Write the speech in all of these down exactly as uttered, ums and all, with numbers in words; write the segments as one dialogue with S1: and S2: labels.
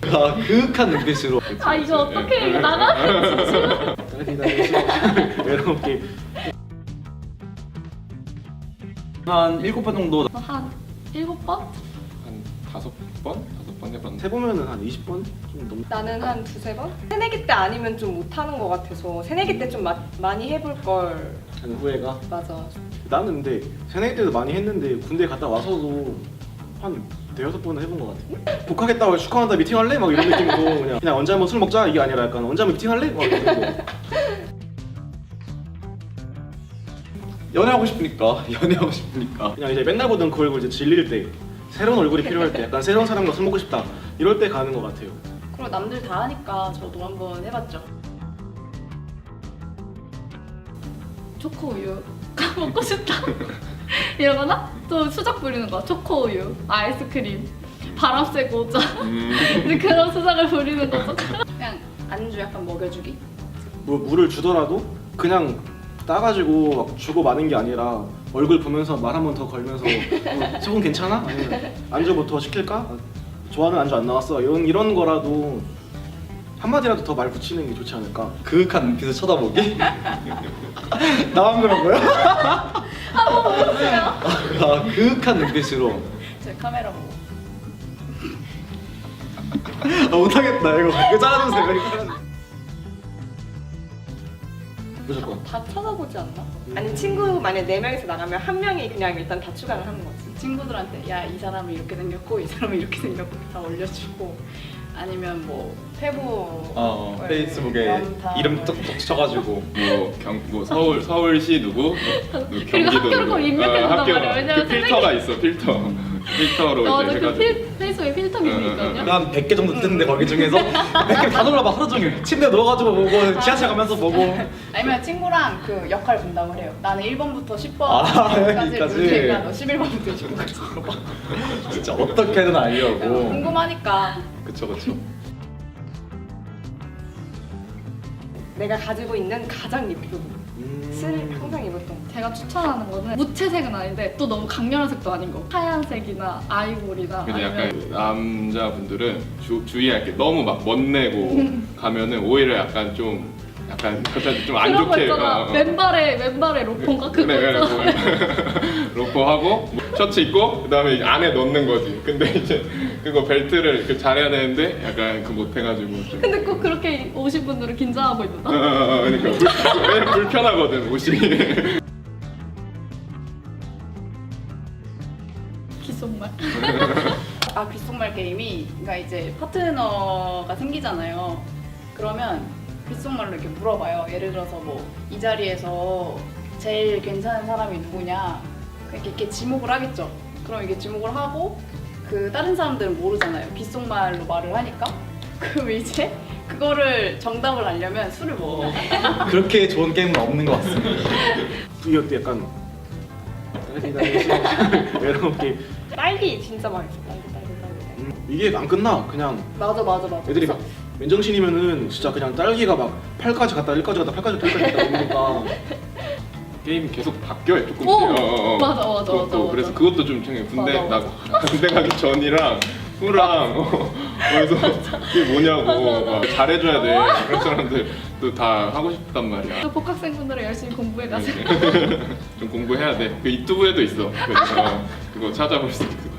S1: 아, 그윽한 눈빛으로.
S2: 아 이거 어떻게 이거 나가면
S3: 외롭게
S1: 한 일곱 번 정도.
S2: 한 일곱 번?
S4: 한 다섯 번? 다섯 번 해봤는데
S3: 해보면은 한 이십 번 좀 넘.
S5: 나는 한 두세 번? 새내기 때 아니면 좀 못하는 것 같아서 새내기 때 좀 많이 해볼 걸.
S3: 하는 후회가.
S5: 맞아.
S3: 나는 근데 새내기 때도 많이 했는데 군대 갔다 와서도 한 대여섯 번은 해본 것 같아. 복학했다고 축하한다 미팅할래? 막 이런 느낌으로 그냥 그냥 언제 한번 술 먹자 이게 아니라 약간 언제 한번 미팅할래? 막 이런 거.
S1: 연애하고 싶으니까. 연애하고 싶으니까.
S3: 그냥 이제 맨날 보던 그 얼굴 이제 질릴 때 새로운 얼굴이 필요할 때 약간 새로운 사람과 술 먹고 싶다 이럴 때 가는 것 같아요.
S6: 그리고 남들 다 하니까 저도 한번 해봤죠.
S2: 초코우유 먹고 싶다 이러거나 또 수작 부리는 거 초코우유, 아이스크림, 바람 쐬고 오자 이제 그런 수작을 부리는 거죠.
S6: 그냥 안주 약간 먹여주기?
S3: 뭐 물을 주더라도 그냥 따가지고 막 주고 마는 게 아니라 얼굴 보면서 말 한 번 더 걸면서 어, 속은 괜찮아? 아니면 안주 뭐 더 시킬까? 아, 좋아하는 안주 안 나왔어 이런 이런 거라도 한마디라도 더 말 붙이는 게 좋지 않을까?
S1: 그윽한 눈빛을 쳐다보기? 나만 그런 거야?
S2: 한번 보여주세요.
S1: 아, 그윽한 눈빛으로.
S6: 제 카메라 보고.
S1: 아, 못하겠다. 이거 이거 잘라주세요. 이거 잘라주세요.
S3: 무조건.
S5: 다 찾아보지 않나? 아니 친구 만약 네 명이서 나가면 한 명이 그냥 일단 다 추가를 하는 거지.
S6: 친구들한테 야 이 사람이 이렇게 생겼고 이 사람이 이렇게 생겼고 다 올려주고 아니면 뭐 페북
S1: 어,
S6: 뭐
S1: 페이스북에
S6: 연타
S1: 이름
S6: 뭐
S1: 뚝뚝 쳐가지고.
S4: 뭐, 경, 뭐 서울, 서울시 누구? 뭐
S2: 그리고
S4: 경기도
S2: 학교를
S4: 누구?
S2: 꼭 입력해준단
S4: 학교,
S2: 말이야. 왜냐면
S4: 그 필터가 있어 필터 필터로
S2: 맞아
S4: 이제
S2: 그
S4: 해가지고
S2: 필, 페이스북에 필터 기능이 있거든요.
S1: 한 백 개 정도 뜨는데 거기 중에서 몇 개 다 놀아봐 하루 종일. 침대에 누워가지고 보고 지하철 가면서 보고.
S6: 아니면 친구랑 그 역할 분담을 해요. 나는 일 번부터 십
S1: 아,
S6: 번까지
S1: 여기까지.
S6: 문제가 너 십일 번부터 이십 번까지
S1: 진짜 어떻게든 알려고.
S6: 궁금하니까.
S1: 그쵸 그쵸.
S5: 내가 가지고 있는 가장 예쁜 옷을
S3: 음.
S5: 항상 입었던 거.
S2: 제가 추천하는 거는 무채색은 아닌데 또 너무 강렬한 색도 아닌 거. 하얀색이나 아이보리나
S4: 근데
S2: 아니면
S4: 약간 그 남자분들은 주, 주의할 게 너무 막 멋내고 가면은 오히려 약간 좀 약간 좀 안
S2: 그런 거
S4: 좋게
S2: 있잖아.
S4: 어, 어.
S2: 맨발에 맨발에 로폰가 그거
S4: 그래 그래
S2: 있잖아.
S4: 뭐, 로퍼하고 뭐 셔츠 입고 그다음에 이제 안에 넣는 거지. 근데 이제 그거 벨트를 그 잘해야 되는데 약간 그 못해가지고 좀.
S2: 근데 꼭 그렇게 오신 분들은 긴장하고 있는다.
S4: 어, 어, 어, 그러니까 불, 왜냐면 불편하거든 옷이.
S2: 귓속말.
S6: 아 귓속말 게임이 그러니까 이제 파트너가 생기잖아요. 그러면 귓속말로 이렇게 물어봐요. 예를 들어서 뭐 이 자리에서 제일 괜찮은 사람이 누구냐 이렇게, 이렇게 지목을 하겠죠. 그럼 이게 지목을 하고 그 다른 사람들은 모르잖아요. 귓속말로 말을 하니까 그럼 이제 그거를 정답을 알려면 술을 먹어요.
S1: 그렇게 좋은 게임은 없는 것 같습니다.
S3: 이것도 약간 외롭게.
S5: 딸기 진짜 맛있어. 딸기 딸기 딸기.
S3: 음, 이게 안 끝나 그냥
S6: 맞아 맞아 맞아.
S3: 애들이 막 맨정신이면은 진짜 그냥 딸기가 막 팔까지 갔다 일까지 갔다 팔까지 갔다 일까지 갔다 이러니까
S4: 게임이 계속 바뀌어요 조금씩.
S2: 오!
S4: 어, 어, 어.
S2: 맞아, 맞아,
S4: 또,
S2: 맞아,
S4: 또
S2: 맞아.
S4: 그래서 그것도 좀 챙겨. 군대
S2: 맞아,
S4: 나 군대 가기 전이랑 후랑 어, 그래서 그게 뭐냐고 막 잘해줘야 돼. 그런 사람들 또 다 하고 싶단 말이야.
S2: 또 복학생분들은 열심히 공부해 가세요.
S4: 좀 공부해야 돼. 그 유튜브에도 있어. 그래서 그거 찾아볼 수 있어.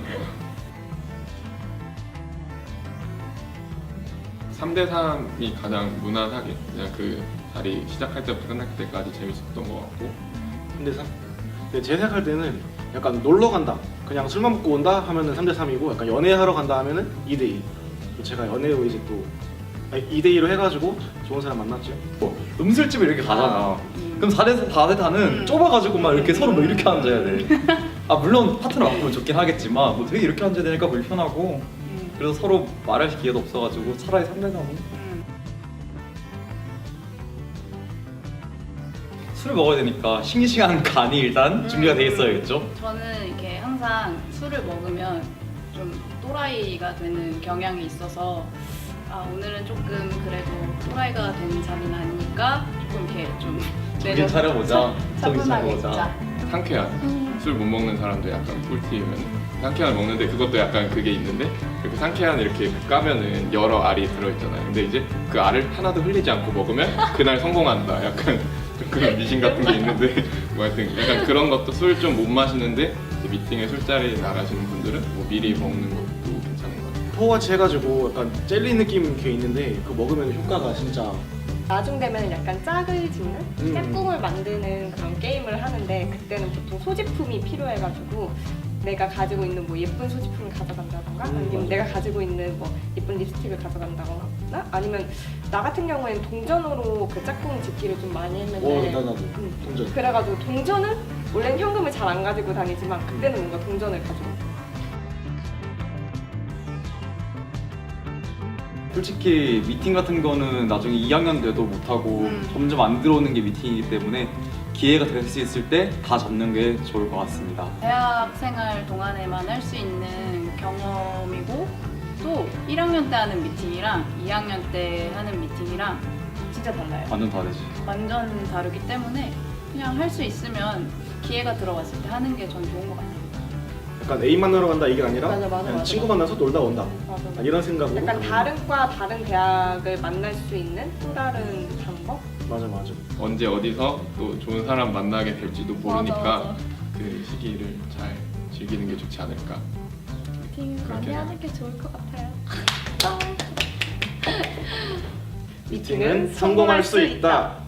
S4: 삼 대 삼이 가장 무난하게 그냥 그 자리 시작할 때부터 끝날 때까지 재밌었던 것 같고.
S3: 근데 사, 근데 제 생각할 때는 약간 놀러 간다 그냥 술만 먹고 온다 하면은 삼 대 삼이고 약간 연애하러 간다 하면은 이 대 이. 제가 연애로 이제 또 이 대 이로 해가지고 좋은 사람 만났죠.
S1: 뭐, 음술집에 이렇게 가잖아.
S6: 음.
S1: 그럼 사 대 사 대 사는
S6: 음.
S1: 좁아가지고 막 이렇게 서로 뭐 이렇게 앉아야 돼. 아 물론 파트너 바꾸면 좋긴 하겠지만 뭐 되게 이렇게 앉아야 되니까 불편하고.
S6: 음.
S1: 그래서 서로 말할 기회도 없어가지고 차라리 삼 대 삼은.
S6: 음.
S1: 술을 먹어야 되니까 싱싱한 간이 일단 준비가 돼 있어야겠죠.
S6: 저는 이렇게 항상 술을 먹으면 좀 또라이가 되는 경향이 있어서 아 오늘은 조금 그래도 또라이가 되는 자리는 아니니까 조금 이렇게 좀
S1: 정신 차려보자. 정신
S6: 차분하게
S1: 차려보자.
S6: 먹자.
S4: 상쾌한 술 못 먹는 사람들 약간 꿀팁은 상쾌한을 먹는데 그것도 약간 그게 있는데 이렇게 상쾌한 이렇게 까면은 여러 알이 들어있잖아요. 근데 이제 그 알을 하나도 흘리지 않고 먹으면 그날 성공한다. 약간 좀 그런 미신 같은 게 있는데 뭐 하여튼 약간 그런 것도 술 좀 못 마시는데 이제 미팅에 술자리 나가시는 분들은 뭐 미리 먹는 것도 괜찮은 것 같아요.
S3: 포같이 해가지고 약간 젤리 느낌 게 있는데 그 먹으면 효과가 진짜
S5: 나중 되면 약간 짝을 짓는
S3: 음.
S5: 짝꿍을 만드는 그런 게임을 하는데 그때는 보통 소지품이 필요해가지고 내가 가지고 있는 뭐 예쁜 소지품을 가져간다던가
S3: 음,
S5: 아니면
S3: 맞아.
S5: 내가 가지고 있는 뭐 예쁜 립스틱을 가져간다거나 아니면 나 같은 경우에는 동전으로 그 짝꿍 짓기를 좀 많이 했는데
S3: 어 나나도
S5: 음.
S3: 동전.
S5: 그래가지고 동전은 원래는 현금을 잘 안 가지고 다니지만 그때는 뭔가 동전을 가지고
S1: 솔직히 미팅 같은 거는 나중에 이 학년 돼도 못하고
S6: 음.
S1: 점점 안 들어오는 게 미팅이기 때문에 기회가 될 수 있을 때 다 잡는 게 좋을 것 같습니다.
S6: 대학 생활 동안에만 할 수 있는 경험이고 또 일 학년 때 하는 미팅이랑 이 학년 때 하는 미팅이랑 진짜 달라요.
S1: 완전 다르지.
S6: 완전 다르기 때문에 그냥 할 수 있으면 기회가 들어왔을 때 하는 게 전 좋은 것 같아요.
S3: 약간 애인 만나러 간다 이게 아니라
S5: 맞아, 맞아,
S3: 그냥
S5: 맞아,
S3: 친구
S5: 맞아.
S3: 만나서 놀다 온다.
S5: 맞아.
S3: 아, 이런 생각으로.
S5: 약간
S3: 가면.
S5: 다른 과 다른 대학을 만날 수 있는 또 다른 방법?
S3: 맞아 맞아.
S4: 언제 어디서 또 좋은 사람 만나게 될지도 모르니까
S2: 맞아, 맞아.
S4: 그 시기를 잘 즐기는 게 좋지 않을까.
S2: 미팅 많이
S4: 그렇게
S2: 하는 게 좋을 것 같아요.
S3: 미팅은 성공할 수 있다.